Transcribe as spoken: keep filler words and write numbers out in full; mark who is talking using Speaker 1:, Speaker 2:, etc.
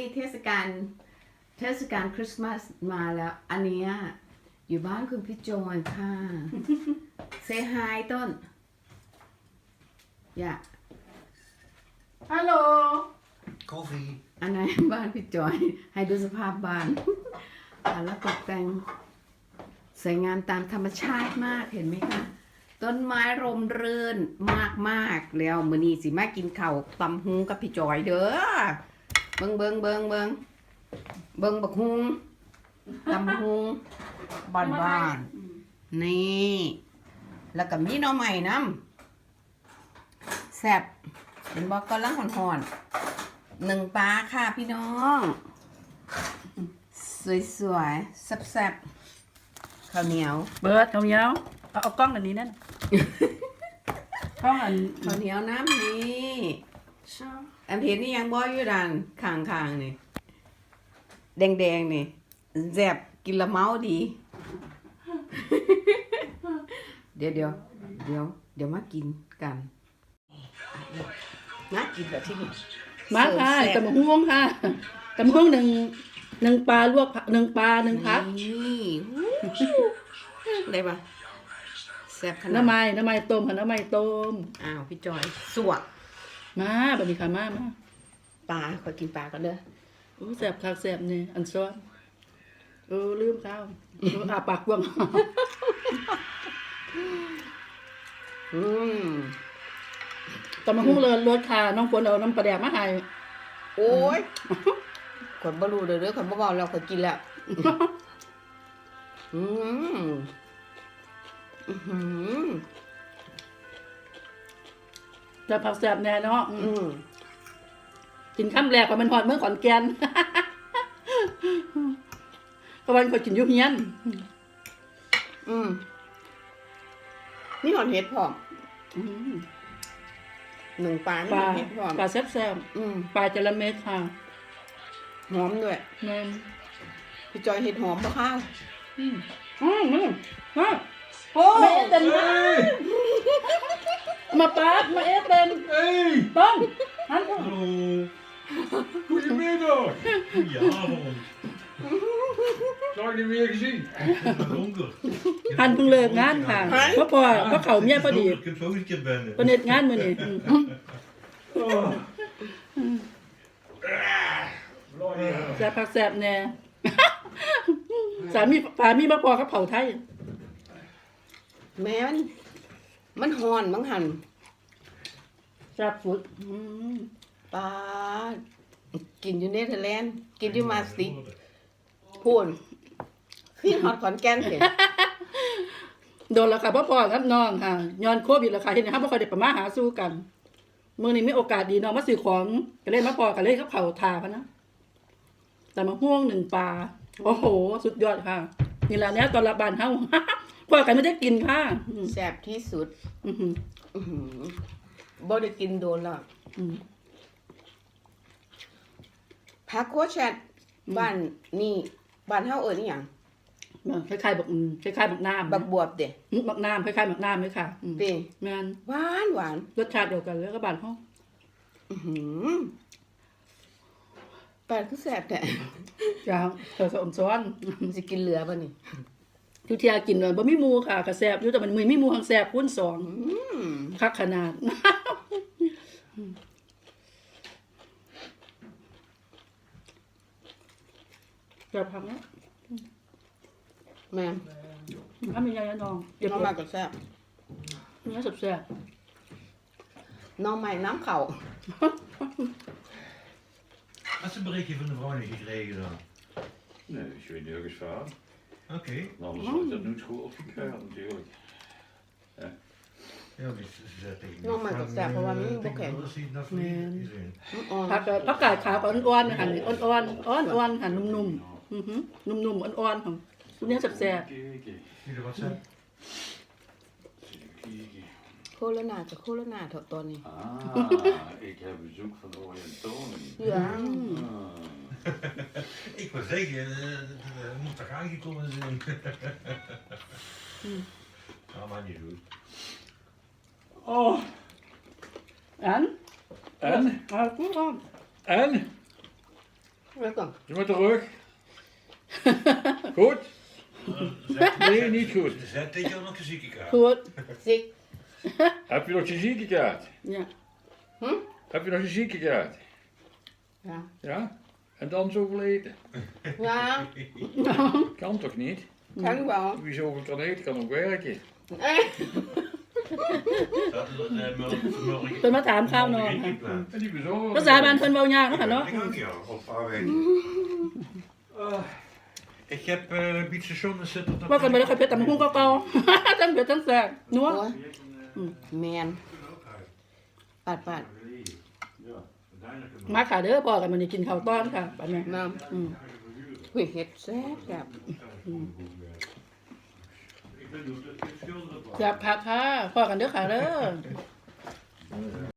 Speaker 1: เทศกาลเทศกาลคริสต์มาสมาแล้วอันเนี้ยอยู่บ้านคุณพี่จอยค่ะเซฮายต้นอย่า
Speaker 2: ฮัลโหล
Speaker 3: Koffie.
Speaker 1: อันไหนบ้านพี่จอยให้ดูสภาพบ้านอ่ะแล้วตกแต่งสวยงามตามธรรมชาติมากเห็นไหมคะต้นไม้ร่มรื่นมากมากๆแล้วมื้อนี้สิมากินข้าวตำหุงกับพี่จอยเด้อเบิ่งเบิ่งเบิ่งเบิ่งเบิ่งบักหุงตำหุงบ้านบ้านๆนี่แล้วก็มีหน่อใหม่น้ำแซ่บเป็นบอกกำลังห่อนๆหนึ่งปลาค่ะพี่น้องสวยๆแซ่บๆข้าวเหนียว
Speaker 2: เบิร์ดเขาเนี้ยเอาเอากล้องอันนี้นั่น กล้องอัน
Speaker 1: ข้าวเหนียวน้ำนี่อันเห็นนี่ยังบ่อยู่ด้านข้างๆนี่แดงๆนี่แซ่บกินละเมาดี เดี๋ยวเดี๋ยวเดี๋ยวเดี๋ยวมากินกันมากินแบบที่นี่
Speaker 2: มาค่ะตำบักหุ่งค่ะตำบักหุ่งหนึ่งหนึ่งปลาลวกผักหนึ่งปลาหนึ่งพัก
Speaker 1: นี่ได้ปะแซ่บขนาด
Speaker 2: น้ำไม้น้ำไม้ต้มค่ะน้ำไม้ต้ม
Speaker 1: อ้าวพี่จอยสวก
Speaker 2: มาบัดนี้ค่ะมามา
Speaker 1: ปลาขอกินปลาก่อนเด้อ
Speaker 2: โอ้แสบคักแสบนี่อันซ้อนเออลืมข้าวเอออาปากกว้าง
Speaker 1: อืม
Speaker 2: ตำบักหุ่งเลยรสค่ะน้องฝนเอาน้ำปลาแดกมาให้
Speaker 1: โอ้ยขนบ่รู้เด้อเด้อขนบ่เว้าแล้วขนกินแล้วอืมอื้อหือ
Speaker 2: จะผักแสบแน่เนาะอืม
Speaker 1: อืม
Speaker 2: กินข้ามแรกว่ามันหอดเมื่อขอนแก่น ก็วันก็กินอยุเฮียน
Speaker 1: อืมนี่หอนเห็ดพร้อม
Speaker 2: อืม
Speaker 1: หนึ่งปลานี่
Speaker 2: ปลา
Speaker 1: หอนเห็ดพร้อม
Speaker 2: ปลาแซ่บ
Speaker 1: อืม
Speaker 2: ๆปลาจระเม็ดค่ะ
Speaker 1: หอมด้วย
Speaker 2: แม่น
Speaker 1: พี่จอยเห็ดหอมบ่ข้าว
Speaker 2: อืมอืมอืมฮะ
Speaker 1: โอ้
Speaker 2: มาเอเต็นมาปาดมาเอเต็น
Speaker 3: Hey!
Speaker 2: ต้นหัน
Speaker 3: Hallo! Goedemiddag! Goedenavond! Lang niet meer gezien. Het is donker.
Speaker 2: หันเพิ่งเลิกงานค่ะเพราะพอเพราะเขาเมียพอดี
Speaker 3: Ik heb ook een keer binnen.
Speaker 2: ประเด็นงานมื้อนี้อืม
Speaker 3: Oh.
Speaker 2: แซ่บผักแซ่บแน่ สามีสามีมาพอกับเผาไทย
Speaker 1: แม่มันมันหอนบังหัน
Speaker 2: แซ่บสุดอืม
Speaker 1: ปลากินอยู่เนเธอร์แลนด์กินอยู่มาสติกพูนขึ้นฮอตขอนแก่นเห็น
Speaker 2: โดนแล้วค่ะพ่อพ่อครับน้องค่ะย้อนโควิดแล้วค่ะเห็นไหมครับบ่ค่อยได้ประมาหาสู่กันมื้อนี้มีโอกาสดีน้องมาซื้อของก็เลยมาพอกันเลยกับเผาทาพะนะแต่มาห่วงหนึ่งปลาโอ้โห สุดยอดค่ะนี่ล่ะเนี้ยตอนรับบ้านเฮา พอกันไม่ได้กินค่ะอืม
Speaker 1: แซ่บที่สุด
Speaker 2: อือหือ
Speaker 1: อื้อหือบ่ได้กินโดนแล้ว
Speaker 2: อืม
Speaker 1: ผักโคชัดบ้านนี่บ้านเฮาเอิ้นอีหยัง
Speaker 2: คล้ายๆบักอืมคล้ายๆบักน้ำ
Speaker 1: บักบวบเด้
Speaker 2: อืมบักน้ำคล้ายๆบักน้ำเลยค่ะอืม
Speaker 1: ติ
Speaker 2: แม่น
Speaker 1: หวานหวาน
Speaker 2: รสชาติเดียวกันเลยกับบ้านเฮา
Speaker 1: อื้อหือปลาคือแซ่บแท้
Speaker 2: จ้าเธอสมซ้อน
Speaker 1: มันสิกินเหลือบ่นี่
Speaker 2: ทุกเที่ยกินเลยบ่มีหมูค่ะก็แซ่บอยู่แต่มันมือมีหมูหังแซ่บคูณสอง
Speaker 1: อืม
Speaker 2: คักขนาด จะพังแล้ว
Speaker 1: แม่น
Speaker 2: ถ้ามียายน้องเดี๋ยว
Speaker 1: น้องใหม่ก็แซ่บ
Speaker 2: เนื้อแซ่บ
Speaker 1: น้องใหม่น้ำเข่า
Speaker 3: Had ze een berichtje van de vrouw niet gekregen dan?
Speaker 4: Nee, dus je weet nergens van.
Speaker 3: Oké.
Speaker 4: Anders had ik dat nooit goed opgekeurd natuurlijk.
Speaker 3: Ja, maar ze ze zei tegen
Speaker 1: Nou, maar dat staat gewoon niet in
Speaker 3: Ik
Speaker 1: boeken.
Speaker 3: wil dat zien, dat voor
Speaker 2: Nee.
Speaker 3: iedereen.
Speaker 1: อ่อน
Speaker 2: ๆผักก็ผักกาดขาวก็อ่อนๆหั่นนี่อ่อนๆอ่อนๆหั่นนุ่มๆอือหือนุ่มๆอ่อนๆของตัวเนี้ยแซ่บ
Speaker 4: Kijken.
Speaker 3: Jullie wat zijn?
Speaker 4: Kijken.
Speaker 1: โคโรนากับโคโรนาเถอะตอนนี้
Speaker 4: Ah, ik heb bezoek van de Oriëntonen.
Speaker 1: เหลือ
Speaker 4: Ah.
Speaker 3: Ik wil zeggen, het moet toch aangekomen zijn? Ja, maar niet goed.
Speaker 4: Oh,
Speaker 2: ๆอัน
Speaker 4: en?
Speaker 2: อ่ากูอ่อน
Speaker 4: En?
Speaker 1: แล้วก็
Speaker 3: Doe maar terug. Goed? Nee, niet goed.
Speaker 5: Zet dit jou nog een ziekenkaart.
Speaker 2: พูด
Speaker 1: ซิก
Speaker 3: Heb je nog je ziekenkaart?
Speaker 2: เนี่ย
Speaker 3: Heb je nog je ziekenkaart?
Speaker 1: นะ
Speaker 3: Ja? En dan zoveel eten?
Speaker 1: นะ
Speaker 3: Kan toch niet?
Speaker 1: ฉันบอก
Speaker 3: Wie zoveel kan eten, kan ook werken.
Speaker 1: เอ้ย
Speaker 5: Dat is het eh, mul- vanmorgen.
Speaker 2: เพิ่นมาถามข้าวน้อง
Speaker 5: Geen
Speaker 2: ค่ะ
Speaker 5: plan.
Speaker 3: En die bezorgen.
Speaker 2: ภาษาบ้านเพิ่นเว้ายากเนาะค่ะเนาะ
Speaker 5: Ik ook ja, op aanwezig. Ik heb uh, een beetje zonne zitten.
Speaker 2: ว่ากันไปแล้วค่อยเพชรตำบักหุ่งเก่าๆ ทั้งเผ็ดทั้งแซ่บนัว
Speaker 1: โอ้ยแมนปาดปาด
Speaker 2: มาค่ะเด้อพ่อกันมันนี่กินข้าวต้อนค่ะปันแม่
Speaker 1: น้
Speaker 2: อืม
Speaker 1: ำหุยเห็ดแซ่บแบบ
Speaker 2: อยากพักค่ะพ่อกันเด้อค่ะเด้อ